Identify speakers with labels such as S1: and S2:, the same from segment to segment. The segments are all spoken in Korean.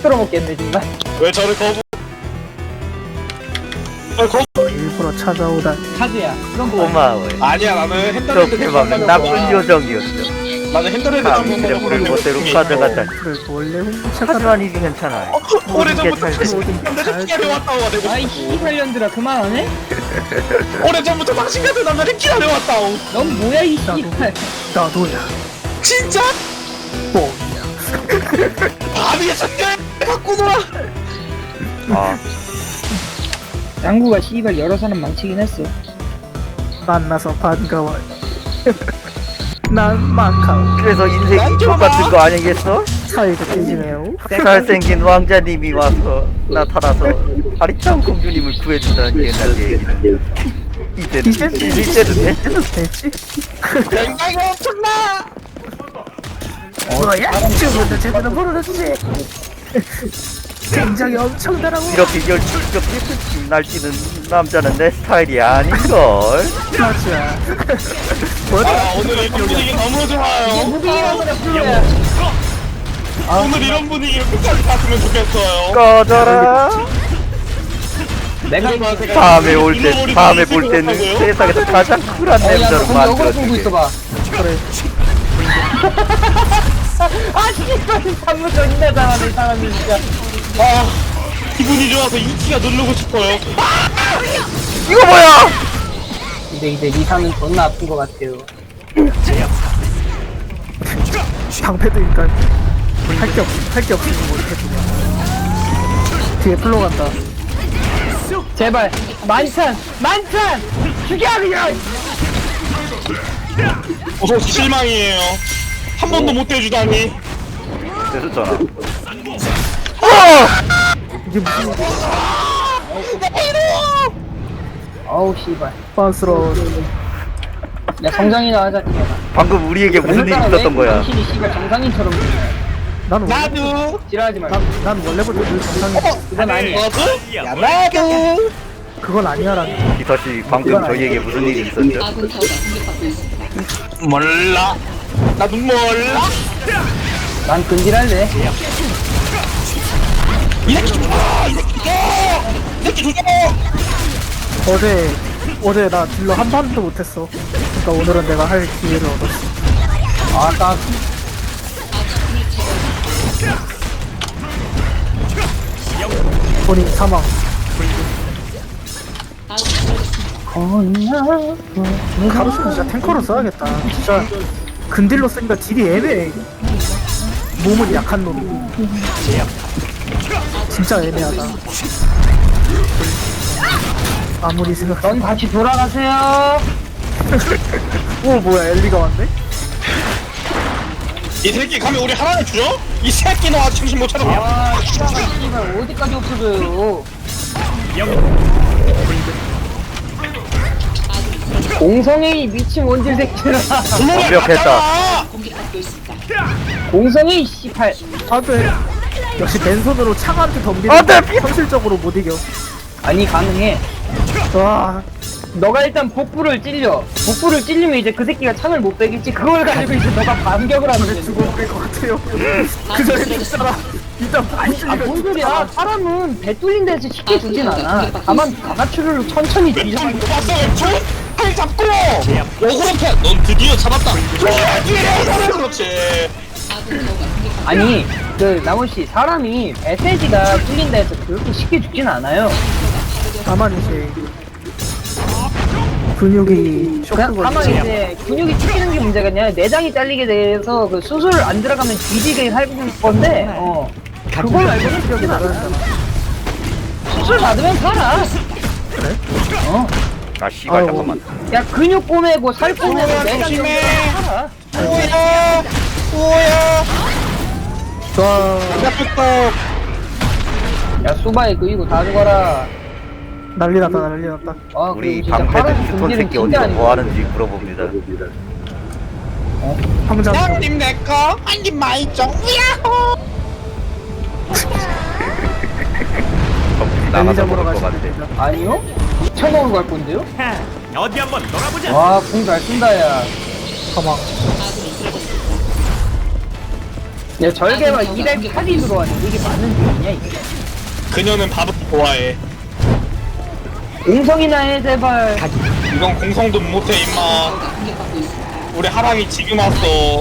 S1: 끌어먹겠네 정말.
S2: 왜 저를 거부?
S3: 일부러 찾아오다.
S1: 카드야. 그런 거
S4: 고마워요.
S2: 아니야 나는 핸드랜드
S4: 이렇게 하면 나쁜 요정이었어.
S2: 나는 핸드랜드
S4: 사람들의 불못대로 가져가다.
S3: 그래 원래 훔쳐가.
S4: 하지만 이게 괜찮아요.
S2: 오래전부터
S4: 모든 게
S2: 남자를 끼려 왔다고 내고
S1: 아이 씨발년들아 그만하네?
S2: 오래전부터 당신 같은 남자를 끼려 왔다고
S1: 넌 뭐야 이 씨발.
S3: 나도야.
S2: 진짜?
S3: 뻥이야.
S2: 밤이야 잠깐 갖고 놀아.
S4: 아,
S1: 양구가 씨발 여러 사람 망치긴 했어.
S3: 만나서 반가워요. 난 마카오.
S4: 그래서 인생이 똑같은 거 아니겠어?
S3: 사이가 깨지네요.
S4: 잘생긴 왕자님이 와서 나타나서 아리따운 공주님을 구해준다는 옛날 얘기는 이제는 이제는 됐지.
S3: 됐지?
S2: 굉장히 엄청나.
S3: 뭐야? 지금부터 제대로 물어줬지. 굉장히 엄청나라고.
S4: 이렇게 열정적인 날뛰는 남자는 내 스타일이 아닌걸.
S3: 맞아.
S2: 아 오늘 이 분위기 너무 좋아요.
S1: 무빙이라고 그래 불러야.
S2: 오늘 이런 분위기를 끝까지 갔으면 좋겠어요.
S4: 꺼져라.
S1: 내가
S4: 다음에 올 때, 다음에 볼 때는 세상에서 가장 쿨한 남자로
S1: 거기 어그로 끌고
S4: 만들어줄게.
S1: 있어봐.
S3: 그래.
S1: 아 씨발 방금 존나 잘하네 사람이 진짜.
S2: 아 기분이 좋아서 이키가 누르고 싶어요.
S4: 이거 뭐야?
S1: 근데 이제 리사는 존나 아픈 것 같아요.
S3: 방패드니까 할게 없으니 못해. 뒤에 플로 간다.
S1: 제발 만찬 죽여 그냥.
S2: 실망이에요. 한 번도 못 대주다니.
S4: 됐었잖아.
S3: 이게 무슨
S1: 어우 씨발.
S3: 빤스러운.
S1: 야 성장이나 하자.
S4: 방금 우리에게 무슨 일이 있었던 거야?
S1: 당신이 씨발 정상인처럼
S3: 나는 원래,
S2: 나도.
S1: 지랄하지 말고.
S3: 난 원래부터 늘 정상이.
S1: 그건 아니야.
S2: 너도? 야 나도.
S3: 그건 아니야라는.
S4: 기사씨 방금 저희에게 무슨 일이 있었죠?
S5: 아군 타워가 공격받고 있습니다.
S2: 몰라. 나도 몰라.
S1: 난 근질할래.
S2: 이 새끼 죽어! 이 새끼 죽어! 이 새끼 죽어!
S3: 어제 나 딜러 한 판도 못했어. 그러니까 오늘은 내가 할 기회를 얻었어.
S1: 아딱
S3: 본인 사망. 카루스 진짜 탱커로 써야겠다. 진짜 근딜로 쓰니까 딜이 애매해. 몸은 약한 놈이고. 진짜 애매하다. 아무리 생각.
S1: 넌 다시 돌아가세요.
S3: 오 뭐야 엘리가 왔네?
S2: 이 새끼 가면 우리 하나를 주죠? 이 새끼 너 아직 정신 못 차렸냐?
S1: 아 씨발 어디까지 없어져요. 공성이 미친 원질 새끼들아.
S4: 완벽했다.
S5: 공격받고 있습니다.
S1: 공성이 씨발.
S3: 안돼. 역시 맨손으로 창한테 덤비는
S4: 안 돼!
S3: 현실적으로 못 이겨.
S1: 아니 가능해.
S3: 와
S1: 너가 일단 복부를 찔려. 복부를 찔리면 이제 그 새끼가 창을 못 빼겠지. 그걸 가지고 이제 너가 반격을 하면 돼.
S3: 죽어버릴 것 같아요. 그 전에 죽잖아. 일단
S1: 뭔 소리야? 사람은 배 뚫린 데서 쉽게 죽진 않아. 다만 가마추를 천천히 뒤져.
S2: 봤어 왼쪽? 팔 잡고! 오그렇게! 넌 드디어 잡았다! 그렇지!
S5: 아군 타워가 공격받고
S1: 아니 그 나원 씨 사람이 배세지가 뚫린 데서 그렇게 쉽게 죽진 않아요.
S3: 다만 이제 근육이
S1: 그냥
S3: 쇼크가
S1: 다만 이제 근육이 찢기는 게 문제가 아니라 내장이 잘리게 돼서 그 수술 안 들어가면 뒤지게 할 건데 그걸 알고는
S3: 기억이 나잖아.
S1: 수술 받으면 살아.
S3: 그래?
S4: 아 씨발
S3: 아유.
S4: 잠깐만.
S1: 야 근육 꼬매고 살 꼬매고 내장
S2: 조심해.
S1: 살아.
S2: 오야! 오야!
S3: 와
S2: 잡혔다!
S1: 야 수바에 그이고 다 죽어라.
S3: 난리 났다 난리 났다.
S1: 아
S4: 우리
S1: 그리고 진짜
S4: 방패들
S1: 파란
S4: 스톤
S1: 금질은
S4: 새끼
S1: 진짜
S4: 어디서
S1: 아니고.
S4: 뭐 하는지 물어봅니다.
S3: 황장
S2: 형님 내꺼 한입 많이 좀 우야호!
S4: 나가서
S3: 잡으러
S4: 먹을 것 같아.
S3: 가시면
S1: 아니요? 2,000원으로 갈 건데요?
S6: 어디 한번 놀아보자.
S1: 와, 궁 잘 쓴다, 야.
S3: 사망.
S5: 아군이 쓰러졌습니다.
S1: 야 절개가 208이 들어왔는데 이게 맞는 중이냐 이게?
S2: 그녀는 밥을 좋아해.
S1: 공성이나 해 제발.
S2: 이건 공성도 못해 임마.
S5: 공격받고 있습니다.
S2: 우리 하랑이 지금 왔어.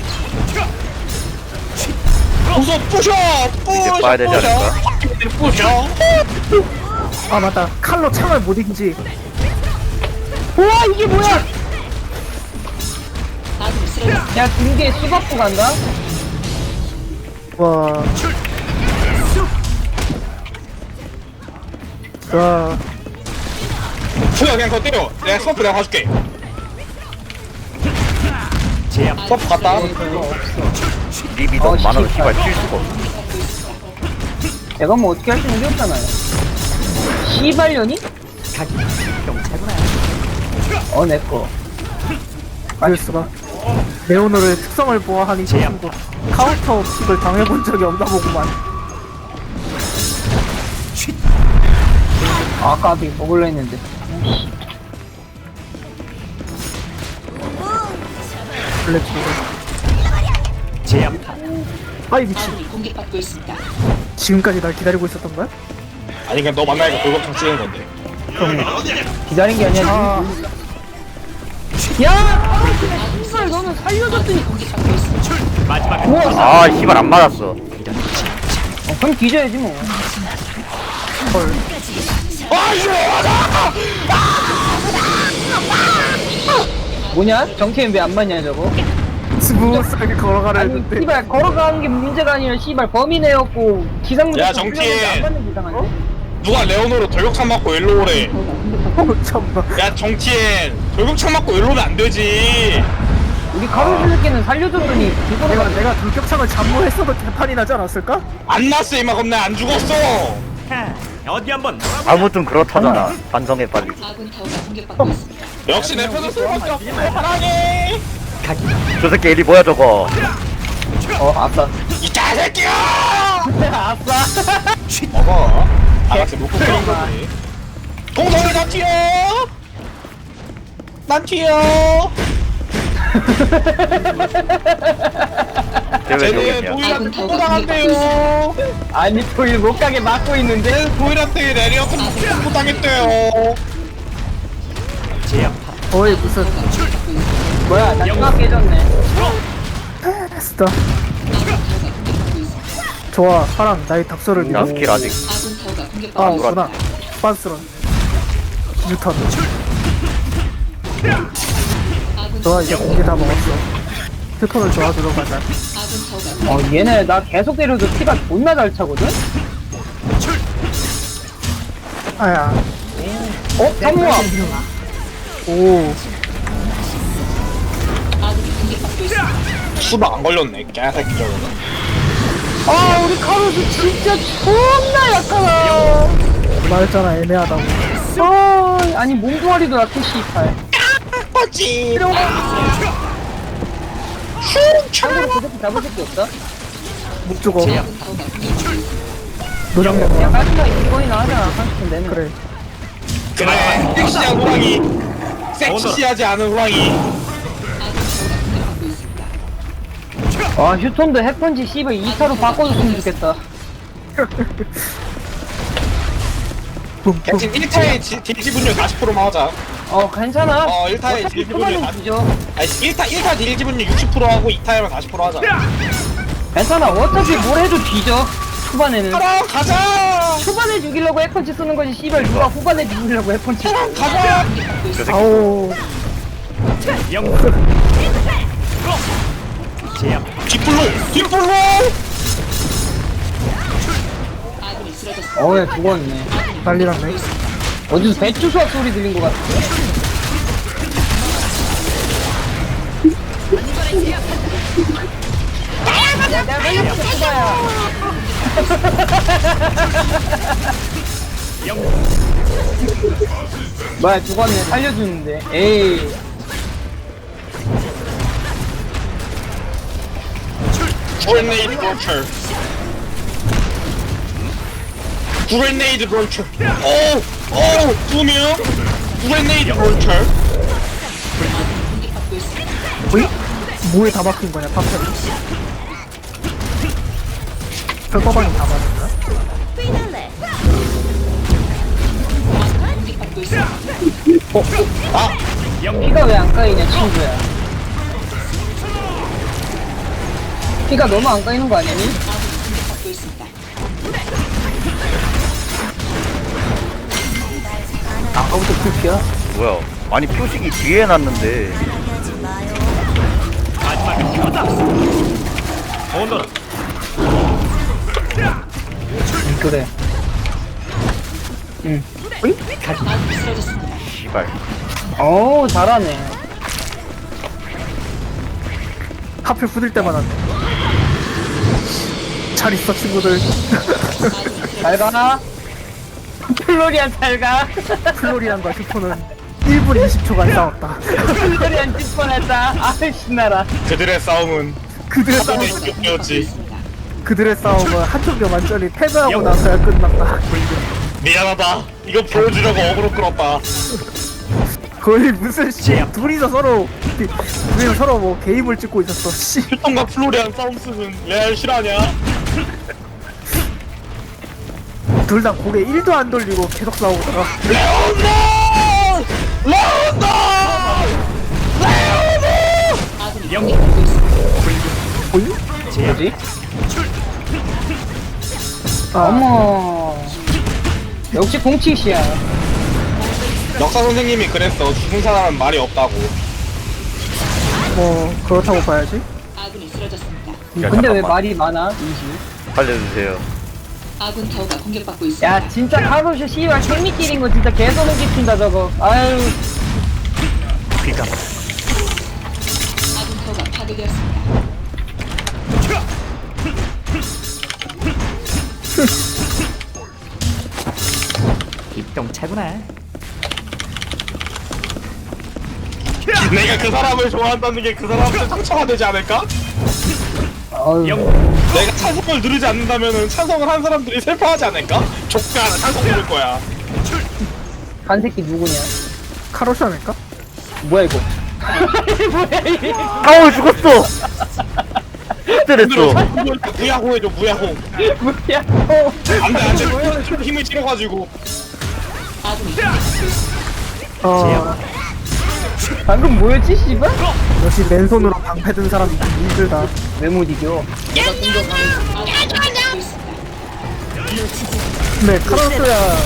S2: 부숴 부셔 부셔
S4: 봐야 되지 않을까?
S2: 부셔.
S3: 아 맞다 칼로 창을 못 이기지.
S1: 우와 이게 뭐야?
S5: 아군이 쓰러졌습니다.
S1: 야 등계 수박부 간다?
S3: 와. 자,
S2: 부야 그냥 더 때려. 내가 스머프 내가 봐줄게.
S6: 제압.
S2: 스머프 갔다.
S4: 립이 너무 많아서 씨발 칠 수가 없어.
S1: 내가 뭐 어떻게 할 수 있는 게 없잖아요. 시발년이? 내꺼.
S3: 알수가 레오노를 특성을 보아하니 저 친구 카운터 픽을 당해본 적이 없나 보구만.
S1: 까비 먹을라 했는데.
S3: 블랙홀.
S6: 제압.
S3: 아이 미친.
S5: 아군이 공격받고 있습니다.
S3: 지금까지 날 기다리고 있었던 거야?
S2: 아니 그냥 너 만나니까 돌격창 찍은 건데.
S1: 기다린 게 아니야.
S3: 아,
S1: 야! 씨발 너는 살려줬더니
S5: 공격받고 있습니다.
S6: 마지막
S1: 우와!
S4: 아 씨발 안 맞았어.
S1: 그럼 뒤져야지 뭐.
S3: 헐.
S1: 뭐냐? 정태현 왜 안 맞냐 저거?
S3: 스무스하게 걸어가라
S1: 아니
S3: 했는데.
S1: 씨발 걸어가는 게 문제가 아니라 씨발 범인애였고 기상문제
S2: 야, 정태현.
S1: 안 맞는 게 이상한데?
S2: 누가 레오노로 돌격창 맞고 일로 오래.
S3: 참나.
S2: 야 정치엔 돌격창 맞고 일로 오면 안 되지.
S1: 우리 가로수 새끼는 살려줬더니
S3: 내가 돌격창을 잠무했어도 개판이 나지 않았을까?
S2: 안 났어 임마. 그럼 나 안 죽었어.
S6: 어디 한번 놀아보자.
S4: 아무튼 그렇다잖아. 반성해 빨리.
S5: 아군 타워가 공격받고 있습니다.
S2: 역시 내 편을 쓸 수밖에 없어. 사랑해.
S4: 저 새끼 일이 뭐야 저거.
S1: 아싸.
S2: 이 개새끼야.
S1: 아싸.
S2: 먹어. 알았지 놓고 끓인 거지. 동성이 나 튀어. 난 튀어.
S4: 쟤왜
S2: 쟤는
S4: 저기냐.
S2: 도일한테 통보당한대요.
S1: 아니 토일 못 가게 막고 있는데.
S2: 쟤는 도일한테 내리어서 통보당했대요.
S6: 제압.
S3: 거의 무슨
S1: 뭐야 나 중학 깨졌네.
S3: 스타. 좋아, 사랑 나의 답서를
S4: 나
S3: 믿어.
S4: 스킬 아직.
S5: 아군 타워가
S3: 아,
S5: 공격받고 있습니다.
S3: 없구나. 빤스런. 뉴턴.
S5: 아군
S3: 좋아, 이제 공개 다 먹었어. 휴턴을 도와주러 가자.
S5: 아군 타워가
S1: 얘네 나 계속 때려도 피가 존나 잘 차거든?
S3: 아야.
S1: 성우야.
S3: 오.
S5: 아군이 공격받고 있습니다.
S2: 수박 안 걸렸네. 개새끼 저거는.
S1: 우리 카로스 진짜 존나 약하다.
S3: 말했잖아, 애매하다고.
S1: 아니 몸뚱아리도 약해 씨발.
S2: 맞지.
S1: 참고로 그 새끼 잡을 새끼 없다?
S3: 못 죽어.
S5: 아군 타워가 공격받고 있습니다.
S3: 노장면.
S1: 야 깔끔하게 이거이나 하자 30분 내내.
S3: 그래.
S2: 그래. 섹시한 호랑이. 섹시하지 않은 호랑이.
S1: 휴톤도 핵펀치 씨발 2타로 바꿔줬으면 좋겠다.
S3: 붐붐.
S2: 대신 1타의 딜지 분율 40%만 하자.
S1: 괜찮아.
S2: 1타의
S1: 어차피
S2: 딜지 분율
S1: 초반은 뒤져.
S2: 아니 1타 딜지 분율 60% 하고 2타에만 40% 하자.
S1: 괜찮아. 어차피 뭘 해도 뒤져. 초반에는.
S2: 가라 가자.
S1: 초반에 죽이려고 핵펀치 쓰는 거지 씨발 누가 후반에 죽이려고 핵펀치 써.
S2: 가자.
S4: 저 새끼
S3: 아오.
S6: 영. 제압.
S2: 뒷불로.
S5: 아군이 쓰러졌습니다.
S1: 야 죽었네.
S3: 난리 났네.
S1: 어디서 배추 수확 소리 들린 것 같은데. 야, 내가 걸렸어, 수바야. 뭐야, 죽었네. 살려주는데. 에이.
S2: Grenade launcher. Grenade launcher. 오, 2명. Grenade launcher.
S5: 공격받고 있습니다.
S3: 뭐에 다 박힌 거냐, 파편이. 철거방이 다 맞았나?
S5: 공격받고 있습니다.
S1: 피가 왜 안 까이냐 친구야. 피가 너무 안 까이는 거 아니니?
S5: 공격받고 있습니다.
S1: 아까부터 불피야.
S4: 뭐야? 아니 표식이 뒤에 놨는데.
S6: 마지막 가자. 오너라.
S1: 그래.
S5: 아군이 쓰러졌습니다.
S4: 씨발.
S1: 오 잘하네.
S3: 하필 부들 때마다 잘 있어 친구들.
S1: 잘 가. 플로리안 잘 가.
S3: 플로리안과 슈퍼는 1분 20초간 싸웠다.
S1: 플로리안 질 뻔했다. 아이 신나라.
S2: 그들의 싸움은
S3: 그들의 싸움,
S2: 이었지.
S3: 그들의 싸움은 한쪽이 완전히 패배하고 나서야 끝났다.
S2: 미안하다. 이거 보여주려고 어그로 끌었다.
S3: 거의 무슨 둘이서 서로 뭐 게임을 찍고 있었어. 씨.
S2: 휴통과 플로리안 싸움 쓰는 레알 실화냐?
S3: 둘 다 고개 1도 안 돌리고 계속 싸우다가
S5: 아군이 공격받고 있습니다.
S1: 뭐지? 어머. 역시 공치시야.
S2: 역사 선생님이 그랬어. 죽은 사람은 말이 없다고.
S3: 뭐 그렇다고 봐야지.
S5: 아군이 쓰러졌습니다.
S4: 야,
S1: 근데 왜
S4: 잠깐만.
S1: 말이 많아? 인시.
S4: 살려주세요.
S5: 아군 타워가 공격받고 있습니다.
S1: 야 진짜 카로슈 씨발 생미끼린 거 진짜 개소름 끼친다 저거. 아유.
S6: 피가
S5: 아군 타워가 파괴되었습니다.
S6: 입동차구나.
S2: 내가 그 사람을 좋아한다는 게 그 사람한테 상처가 되지 않을까?
S1: 어휴.
S2: 내가 찬성을 누르지 않는다면은 찬성을 한 사람들이 슬퍼하지 않을까? 족가 하나 찬성 누를 거야.
S1: 한 새끼 누구냐?
S3: 카로시 아닐까?
S1: 뭐야 이거?
S4: 아우 죽었어. 때렸어.
S2: 무야호 해줘 무야호.
S1: 뭐야?
S2: 안돼 힘을 실어가지고.
S5: 아군이 공격받고 있습니다.
S1: 방금 뭐였지 씨발?
S3: 역시 맨손으로 방패 든 사람이 힘들다.
S1: 왜 못 이겨?
S5: 아군이 공격받고 있습니다.
S3: 근데 카로스야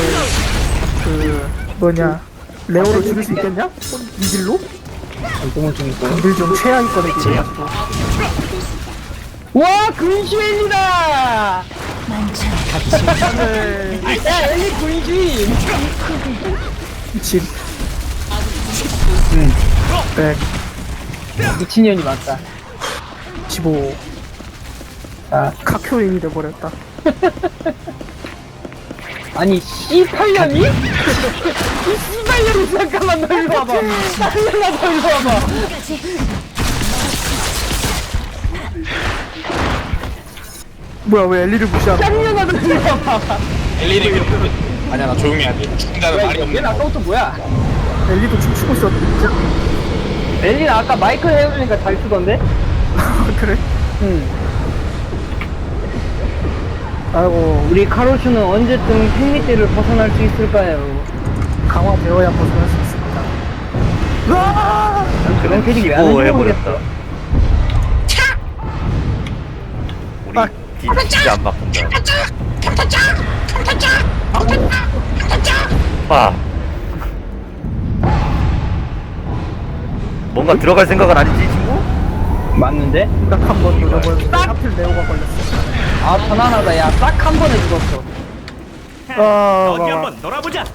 S3: 뭐냐 레오를 죽일 수 있겠냐? 이질로?
S1: 너무 재밌어.
S3: 근딜 좀 최악위권에 기해가지고
S5: 아군이 공격받고 있습니다.
S1: 와 군주엘리다!
S3: 네,
S1: 야 엘리 군주임!
S3: 미친.
S5: 아군이 공격받고 있습니다.
S3: 100,
S1: 미친년이 맞다.
S3: 15.
S1: 자,
S3: 카큐인이 돼버렸다.
S1: 아니 C8년이? 이 C8년이 잠깐만 너 일로 와봐. 딸려나 너 일로 와봐.
S3: 뭐야 왜 엘리를 무시하는 거야?
S1: 딸려나 너 일로 와봐.
S2: 엘리리 아니야 나 조용히 해야 돼. 죽은 자는 말이
S1: 얘는
S2: 없는 거.
S1: 아까부터 뭐야?
S3: 엘리도 춤추고 있었는데.
S1: 엘리는 아까 마이크 해보니까 잘 쓰던데?
S3: 그래?
S1: 응.
S3: 아이고
S1: 우리 카로슈는 언제쯤 팬미대를 벗어날 수 있을까요?
S3: 강화되어야 벗어날 수 있습니다. 으아!
S1: 그런 캐릭이 왜
S4: 오
S1: 하는지
S4: 해버렸다.
S1: 모르겠어.
S4: 우리 진짜 안 바꾼다. 아. 뭔가 들어갈 생각은 아니지 친구?
S1: 맞는데?
S3: 딱 한 번 노려보는데 하필 레오가 걸렸어.
S1: 아 편안하다 야 딱 한 번에 죽었어.
S6: 어디 한번 놀아보자.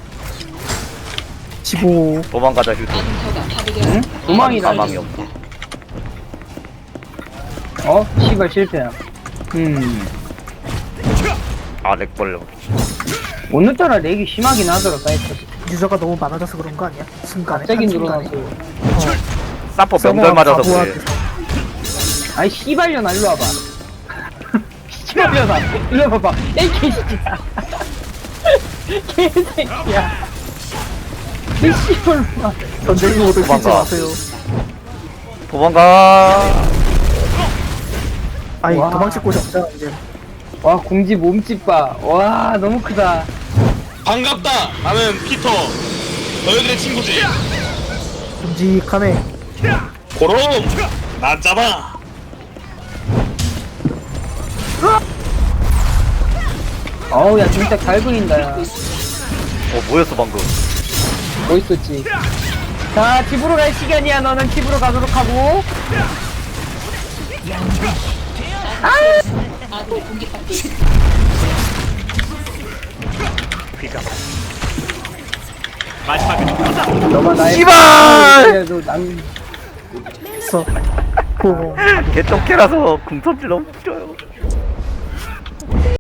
S3: 15.
S4: 도망가자 휴토.
S5: 아군 타워가 파괴되었습니다.
S1: 응? 도망이다.
S4: 사망이 없어.
S1: 어? 씨발 실패야.
S4: 아 렉벌레.
S1: 오늘따라 렉이 심하긴 하더라 사이트.
S3: 유저가 너무 많아져서 그런 거 아니야? 순간에.
S1: 갑자기
S3: 한순간에.
S1: 늘어나서.
S4: 사퍼 명절 맞아서 그래.
S3: 바보한테
S1: 아이 씨발년아 일로 와봐. 씨발년아 일로 와봐. 에이 개새끼야. 개새끼야. 이 씨발놈아.
S3: 전쟁 모드 쓰지
S4: 도망가.
S3: 마세요.
S4: 도망가.
S3: 아니
S1: 와.
S3: 도망칠 곳이 없잖아 이제.
S1: 와 공지 몸집 봐와 너무 크다.
S2: 반갑다. 나는 피터. 너희들의 친구지.
S3: 듬직하네.
S2: 고롬. 난 잡아.
S1: 어우 야 진짜 잘 그린다 야.
S4: 뭐였어 방금?
S1: 멋있었지. 자 집으로 갈 시간이야. 너는 집으로 가도록 하고.
S5: 아군이 공격받고 있습니다.
S6: 귀가 마지막에 가자.
S1: 너가 나의
S4: 씨발!
S1: 그래도 남
S3: 있어. 고.
S4: 개똥개라서 궁선질 너무 싫어요.